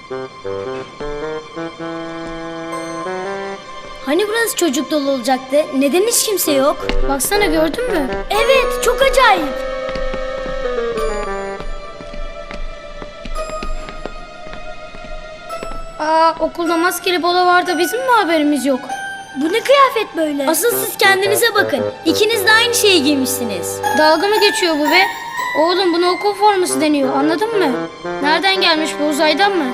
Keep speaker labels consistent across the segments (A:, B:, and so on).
A: Hani burası çocuk dolu olacaktı? Neden hiç kimse yok? Baksana, gördün mü? Evet, çok acayip. Okulda maskeli balo vardı, bizim mi haberimiz yok? Bu ne kıyafet böyle? Asıl siz kendinize bakın. İkiniz de aynı şeyi giymişsiniz. Dalga mı geçiyor bu be? Oğlum, buna okul forması deniyor, anladın mı? Nereden gelmiş bu, uzaydan mı?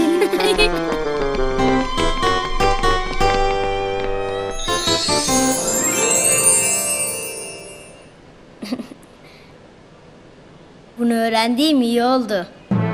A: Bunu öğrendiğim iyi oldu.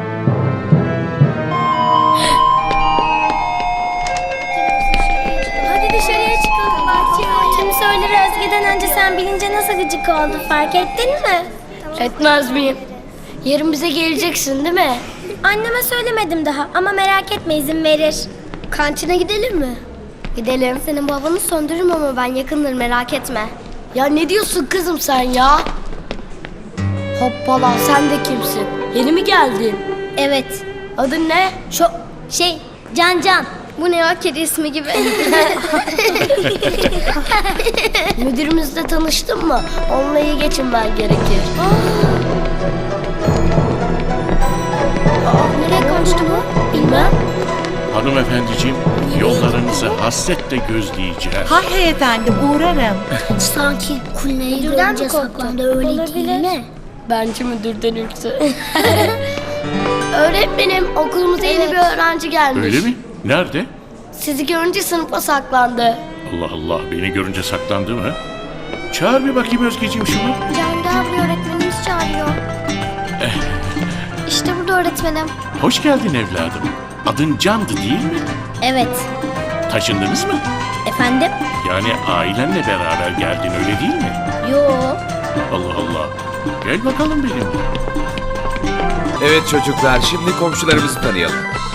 A: Hadi dışarıya çıkalım bahçeye. Tüm söyleri Özge'den önce sen bilince nasıl gıcık oldu, fark ettin mi?
B: Etmez miyim? Yarın bize geleceksin değil mi?
A: Anneme söylemedim daha ama merak etme, izin verir.
B: Kantine gidelim mi? Gidelim.
A: Senin babanı söndürürüm ama ben yakındır, merak etme.
B: Ya ne diyorsun kızım sen ya? Hoppala, sen de kimsin? Yeni mi geldin?
A: Evet.
B: Adın ne?
A: Can.
B: Bu ne ya, kedi ismi gibi. Müdürümüzle tanıştın mı? Onunla iyi geçinmen gerekir.
A: Nereye kaçtı bu?
B: Bilmem.
C: Hanımefendiciğim, yollarınızı hasretle gözleyeceğim.
D: Hay efendim, uğrarım.
A: Sanki kulneyi
B: Müdürden
A: görünce
B: mi korktun?
A: saklandı, öyle değil mi?
B: Bence müdürden ürktü. Öğretmenim, okulumuza yeni bir öğrenci gelmiş.
C: Öyle mi? Nerede?
B: Sizi görünce sınıfa saklandı.
C: Allah Allah, beni görünce saklandı mı? Çağır bir bakayım Özgeciğim şunu.
A: Can gel buraya, öğretmenimiz çağırıyor. İşte burada öğretmenim.
C: Hoş geldin evladım. Adın Can'dı değil mi?
A: Evet.
C: Taşındınız mı?
A: Efendim?
C: Yani ailenle beraber geldin, öyle değil mi?
A: Yo.
C: Allah Allah. Gel bakalım benimle.
E: Evet çocuklar, şimdi komşularımızı tanıyalım.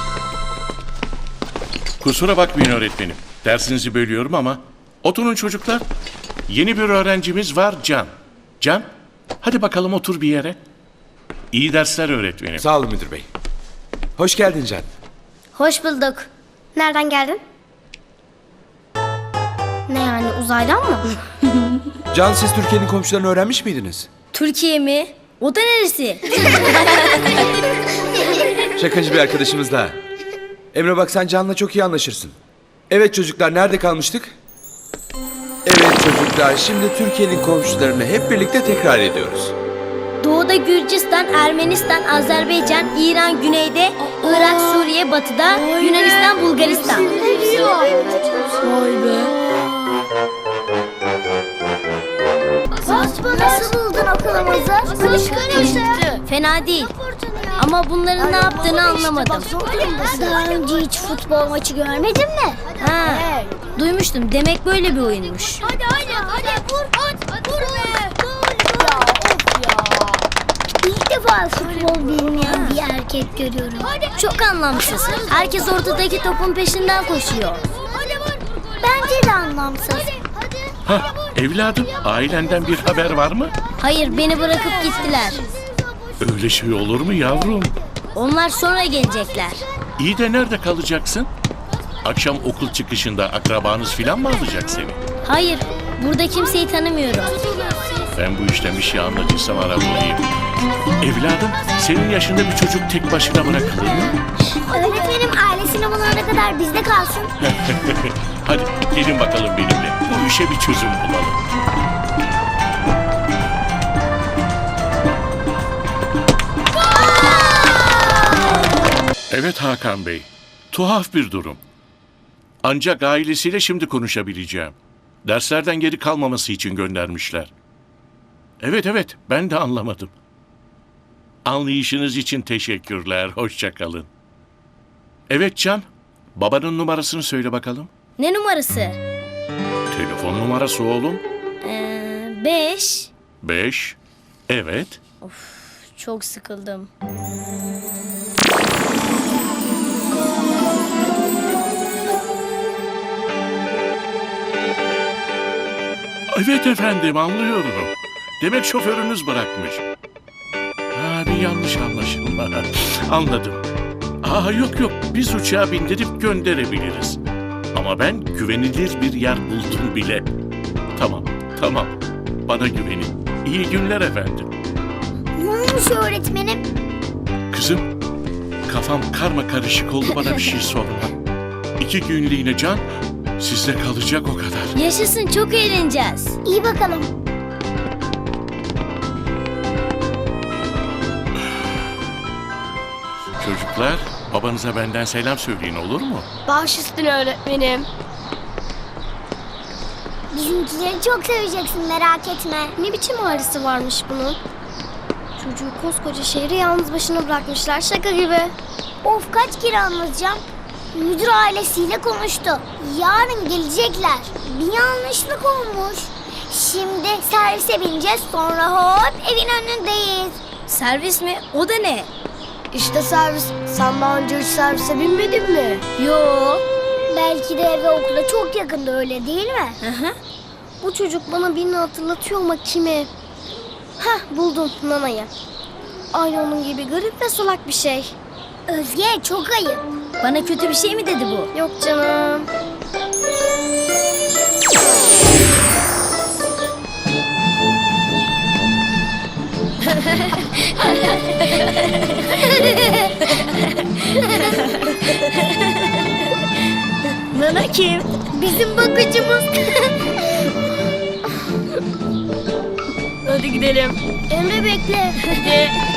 C: Kusura bakmayın öğretmenim. Dersinizi bölüyorum ama. Oturun çocuklar. Yeni bir öğrencimiz var, Can. Can, hadi bakalım otur bir yere. İyi dersler öğretmenim.
E: Sağ olun müdür bey. Hoş geldin Can.
A: Hoş bulduk. Nereden geldin? Ne yani, uzaydan mı?
E: Can, siz Türkiye'nin komşularını öğrenmiş miydiniz?
A: Türkiye mi? O da neresi?
E: Şakacı bir arkadaşımız daha. Emre bak, sen Can'la çok iyi anlaşırsın. Evet çocuklar, nerede kalmıştık? Evet çocuklar, şimdi Türkiye'nin komşularını hep birlikte tekrar ediyoruz.
A: Doğuda Gürcistan, Ermenistan, Azerbaycan, İran güneyde, Irak, Suriye batıda, Yunanistan, Bulgaristan.
B: Vay be.
A: Nasıl buldun okulumuzu? Fena değil. Ama bunların ne yaptığını anlamadım. Daha önce hiç futbol maçı görmedin mi? Ha, duymuştum. Demek böyle bir oyunmuş.
B: Hadi vur be. Ya of ya.
A: İlk defa futbol bilmeyen bir erkek görüyorum. Çok anlamsız. Herkes ortadaki topun peşinden koşuyor. Bence de anlamsız.
C: Hah, evladım, ailenden bir haber var mı?
A: Hayır, beni bırakıp gittiler.
C: Öyle şey olur mu yavrum?
A: Onlar sonra gelecekler.
C: İyi de nerede kalacaksın? Akşam okul çıkışında akrabanız filan mı alacak seni?
A: Hayır, burada kimseyi tanımıyorum.
C: Ben bu işten bir şey anlatırsam ara bulayım. Evladım, senin yaşında bir çocuk tek başına bırakılır mı?
A: Öğretmenim, ailesini bulana kadar bizde kalsın.
C: Hadi gelin bakalım benimle. Bu işe bir çözüm bulalım. Evet Hakan Bey, tuhaf bir durum. Ancak ailesiyle şimdi konuşabileceğim. Derslerden geri kalmaması için göndermişler. Evet, ben de anlamadım. Anlayışınız için teşekkürler, hoşça kalın. Evet Can, babanın numarasını söyle bakalım.
A: Ne numarası?
C: Telefon numarası oğlum.
A: 5.
C: 5. Evet.
A: Çok sıkıldım.
C: Evet efendim, anlıyorum. Demek şoförünüz bırakmış. Ha, bir yanlış anlaşılma. Anladım. Yok yok, biz uçağa bindirip gönderebiliriz. Ama ben güvenilir bir yer buldum bile. Tamam. Bana güvenin. İyi günler efendim.
F: Ne olmuş öğretmenim?
C: Kızım, kafam karma karışık oldu, bana bir şey sorma. 2 günlüğüne Can sizde kalacak o kadar.
A: Yaşasın, çok eğleneceğiz.
F: İyi bakalım.
C: Çocuklar, babanıza benden selam söyleyin, olur mu?
B: Baş üstüne öğretmenim.
F: Bizimkileri çok seveceksin, merak etme.
B: Ne biçim ağrısı varmış bunun? Çocuğu koskoca şehri yalnız başına bırakmışlar, şaka gibi.
F: Of, kaç kere anlatacağım. Müdür ailesiyle konuştu. Yarın gelecekler. Bir yanlışlık olmuş. Şimdi servise bineceğiz, sonra hop evin önündeyiz.
A: Servis mi? O da ne?
B: İşte servis. Sen daha önce hiç servise binmedin mi?
A: Yo.
F: Belki de eve okula çok yakında, öyle değil mi?
B: Bu çocuk bana birini hatırlatıyor ama kimi? Hah, buldum, Nana'yı. Aynı onun gibi garip ve solak bir şey.
F: Özge, çok ayıp.
A: Bana kötü bir şey mi dedi bu?
B: Yok canım.
A: Nana kim?
F: Bizim bakıcımız.
B: Hadi gidelim.
F: Emre, bekle.
B: Hadi.